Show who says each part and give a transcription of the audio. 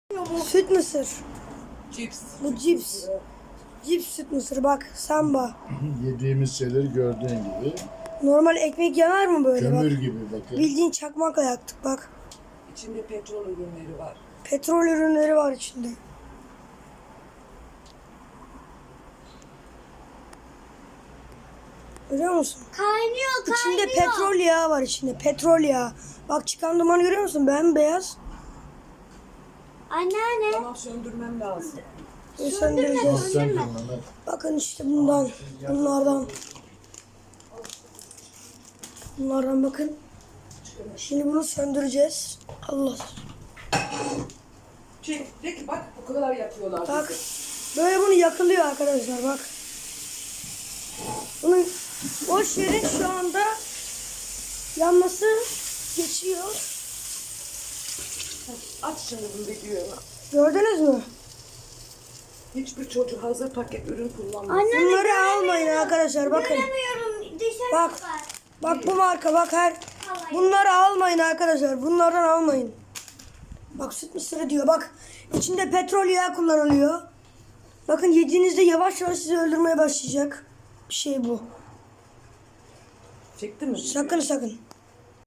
Speaker 1: Süt mısır.
Speaker 2: Cips.
Speaker 1: Bu cips. Cips süt mısır bak. Samba.
Speaker 3: Yediğimiz şeyleri gördüğün gibi.
Speaker 1: Normal ekmek yanar mı böyle
Speaker 3: Kömür
Speaker 1: bak.
Speaker 3: gibi bakın.
Speaker 1: Bildiğin çakmakla yaktık bak.
Speaker 2: İçinde petrol ürünleri var.
Speaker 1: Petrol ürünleri var içinde. Görüyor musun?
Speaker 4: Kaynıyor.
Speaker 1: İçinde petrol yağı var içinde. Petrol yağı. Bak çıkan dumanı görüyor musun? Bembeyaz.
Speaker 4: Anneanne.
Speaker 2: Tamam, söndürmem lazım.
Speaker 1: Söndüreceğiz.
Speaker 3: Sen Mehmet.
Speaker 1: Bakın işte bundan. Bunlardan. Bunlardan bakın. Şimdi bunu söndüreceğiz. Allah.
Speaker 2: Çek, de ki bak bu kadar yapıyorlar.
Speaker 1: Bak.
Speaker 2: bizi.
Speaker 1: Böyle bunu yakılıyor arkadaşlar bak. Bunun boş yerin şu anda yanması geçiyor.
Speaker 2: Aç şimdi bu videoyu.
Speaker 1: Gördünüz mü?
Speaker 2: Hiçbir çocuk hazır paket ürün kullanmaz.
Speaker 4: Anneanne
Speaker 1: Bunları almayın arkadaşlar bakın.
Speaker 4: göremiyorum. Dışarı
Speaker 1: Bak.
Speaker 4: çıkar.
Speaker 1: Bak bu marka bak her. Bunları almayın arkadaşlar. Bunlardan almayın. Bak süt mısırı diyor. Bak içinde petrol yağı kullanılıyor. Bakın yediğinizde yavaş yavaş sizi öldürmeye başlayacak bir şey bu.
Speaker 2: Çektin mi?
Speaker 1: Sakın sakın.